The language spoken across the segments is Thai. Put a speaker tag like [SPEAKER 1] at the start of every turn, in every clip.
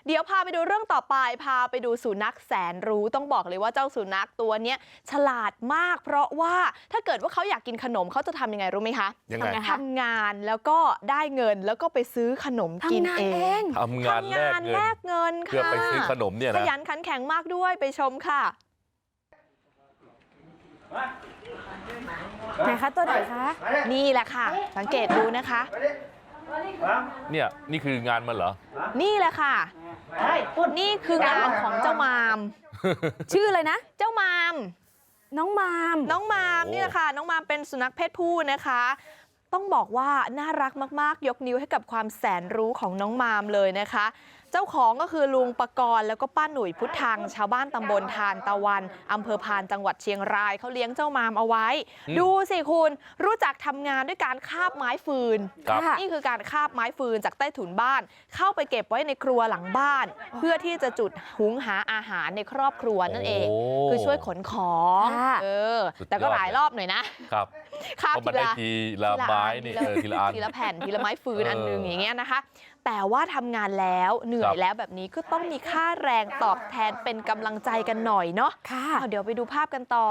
[SPEAKER 1] เดี๋ยวพาไปดูเรื่องต่อไปพาไปดูสุนัขแสนรู้ต้องบอกเลยว่าเจ้าสุนัขตัวเนี้ยฉลาดมากเพราะว่าถ้าเกิดว่าเขาอยากกินขนมเขาจะทำยังไงรู้ไหมคะ
[SPEAKER 2] ยังไง
[SPEAKER 1] ทำงานแล้วก็ได้เงินแล้วก็ไปซื้อขนมกินเอง
[SPEAKER 2] ทำงานแลกเงิน
[SPEAKER 1] ค่ะ
[SPEAKER 2] เพื่อไปซื้อขนมเนี่ยนะ
[SPEAKER 1] ขยันขันแข็งมากด้วยไปชมค่ะ
[SPEAKER 3] ไหนคะตัวไหนคะ
[SPEAKER 1] นี่แหละค่ะสังเกตดูนะคะ
[SPEAKER 2] เนี่ยนี่คืองานมันเหรอ
[SPEAKER 1] นี่แหละค่ะนี่คืองานของเจ้ามาม
[SPEAKER 3] ชื่ออะไรนะ
[SPEAKER 1] เจ้ามาม
[SPEAKER 3] น้องมาม
[SPEAKER 1] นี่แหละค่ะน้องมามเป็นสุนัขเพศผู้นะคะต้องบอกว่าน่ารักมากๆยกนิ้วให้กับความแสนรู้ของน้องมามเลยนะคะเจ้าของก็คือลุงปกรณ์แล้วก็ป้าหนุ่ยพุทธังชาวบ้านตำบลทานตะวันอำเภอพานจังหวัดเชียงรายเขาเลี้ยงเจ้ามามเอาไว้ดูสิคุณรู้จักทำงานด้วยการคาบไม้ฟืนนี่คือการคาบไม้ฟืนจากใต้ถุนบ้านเข้าไปเก็บไว้ในครัวหลังบ้านเพื่อที่จะจุดหุงหาอาหารในครอบครัวนั่นเองคือช่วยขนของแต่ก็หลายรอบหน่อยนะครับคาบ
[SPEAKER 2] ทีละไม้นี่
[SPEAKER 1] ทีละแผ่นทีละไม้ฟืนอันนึงอย่างเงี้ยนะคะแต่ว่าทำงานแล้วเหนื่อยแล้วแบบนี้ก็ต้องมีค่าแรงตอบแทนเป็นกำลังใจกันหน่อยเนาะเดี๋ยวไปดูภาพกันต่อ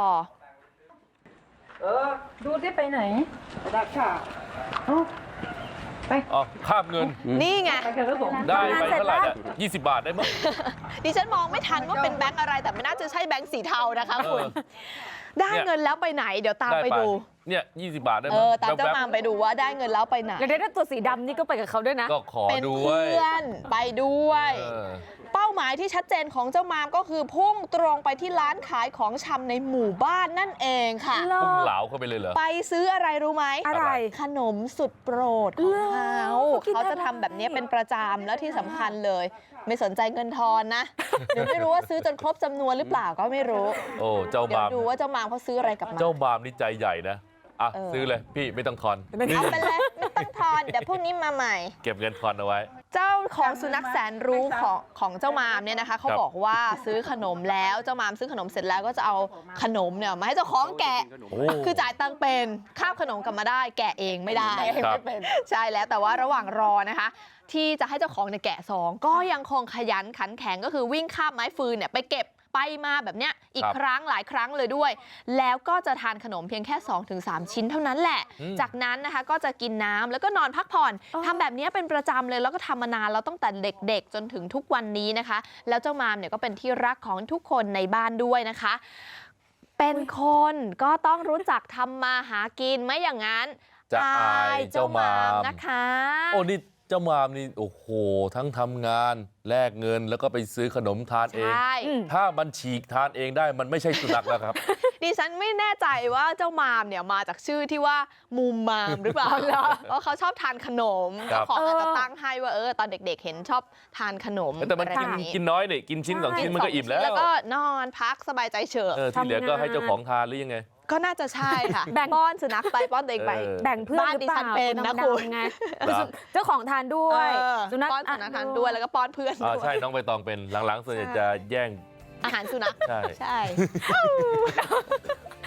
[SPEAKER 4] ดูที่ไปไหนดักค่ะ
[SPEAKER 2] ไปคาบเงิน
[SPEAKER 1] นี่ไง
[SPEAKER 2] ได้ไปเท่าไหร่เนี่ย20 บาทได้มั้ง
[SPEAKER 1] ดิฉันมองไม่ทันว่าเป็นแบงค์อะไรแต่ไม่น่าจะใช่แบงค์สีเทานะคะคุณได้เงินแล้วไปไหนเดี๋ยวตามไปดู
[SPEAKER 2] เนี่ย20 บาทได้มั้ย
[SPEAKER 1] ตามเจ้ามามไปดูว่าได้เงินแล้วไปไหน
[SPEAKER 3] แล้วได้ตัวสีดำนี่ก็ไปกับเขาด้วยนะ
[SPEAKER 2] ก็ขอด้วย
[SPEAKER 1] เป็นเพื่อนไปด้วยเป้าหมายที่ชัดเจนของเจ้ามามก็คือพุ่งตรงไปที่ร้านขายของชำในหมู่บ้านนั่นเองค่ะ
[SPEAKER 2] พุ่งเหลาเข้าไปเลยเหรอ
[SPEAKER 1] ไปซื้ออะไรรู้ไหม
[SPEAKER 3] อะไร
[SPEAKER 1] ขนมสุดโปรดของเขาจะทำแบบนี้เป็นประจำแล้วที่สำคัญเลยไม่สนใจเงินทอนนะหรือไม่รู้ว่าซื้อจนครบจำนวนหรือเปล่าก็ไม่รู้
[SPEAKER 2] โอ้เจ้ามาม
[SPEAKER 1] ดูว่าเจ้ามามเขาซื้ออะไรกับมา
[SPEAKER 2] เจ้ามามนี่ใจใหญ่นะซื้อเลยพี่ไม่ต้องทอน
[SPEAKER 1] เอาไปเลยไม่ต้องทอนเดี๋ยวพรุ่งนี้มาใหม่
[SPEAKER 2] เก็บเงินทอนเอาไว้
[SPEAKER 1] เจ้าของสุนัขแสนรู้ของเจ้ามามเนี่ยนะคะเขาบอกว่าซื้อขนมแล้วเจ้ามามซื้อขนมเสร็จแล้วก็จะเอาขนมเนี่ยมาให้เจ้าของแกะคือจ่ายตังค์เป็นคาบขนมกลับมาได้แกะเองไม่ได้ใช่แล้วแต่ว่าระหว่างรอนะคะที่จะให้เจ้าของเนี่ยแกะซองก็ยังคงขยันขันแข็งก็คือวิ่งคาบไม้ฟืนเนี่ยไปเก็บไปมาแบบเนี้ยอีกครั้งหลายครั้งเลยด้วยแล้วก็จะทานขนมเพียงแค่ 2-3 ชิ้นเท่านั้นแหละจากนั้นนะคะก็จะกินน้ำแล้วก็นอนพักผ่อนทำแบบนี้เป็นประจำเลยแล้วก็ทำมานานแล้วตั้งแต่เด็กๆจนถึงทุกวันนี้นะคะแล้วเจ้ามามเนี่ยก็เป็นที่รักของทุกคนในบ้านด้วยนะคะเป็นคนก็ต้องรู้จักทำมาหากินไม่อย่างนั้น
[SPEAKER 2] จะอายเจ้ามาม
[SPEAKER 1] นะคะ
[SPEAKER 2] โอ้นี่เจ้ามามนี่โอ้โหทั้งทำงานแลกเงินแล้วก็ไปซื้อขนมทานเองถ้ามันฉีกทานเองได้มันไม่ใช่สุนัขแล้วครับ
[SPEAKER 1] ดิฉันไม่แน่ใจว่าเจ้ามามเนี่ยมาจากชื่อที่ว่ามูมามหรือเปล่าเพราะเขาชอบทานขนมเจ้าของอาจจะตั้งให้ว่าตอนเด็กๆเห็นชอบทานขนม
[SPEAKER 2] แต่มันกินน้อยเนี่ยกินชิ้น2 ชิ้นมันก็อิ่มแล้ว
[SPEAKER 1] ก็นอนพักสบายใจเฉย
[SPEAKER 2] ที่เหลือก็ให้เจ้าของทานหรือยังไง
[SPEAKER 1] ก็น่าจะใช่ค่ะแบ่งป้อนสุนัขไปป้อนตัวเองไป
[SPEAKER 3] แบ่งเพื่อนหรือเปล่า
[SPEAKER 1] เป็นนะคุณ
[SPEAKER 3] ไงเจ้าของทานด้วย
[SPEAKER 1] สุนัขป้อนสุนัขทานด้วยแล้วก็ป้อนเพื่อน
[SPEAKER 2] ใช่น้องใบตองเป็นหลังๆส่วนใหญ่จะแย่ง
[SPEAKER 1] อาหารสุนัข
[SPEAKER 2] ใช่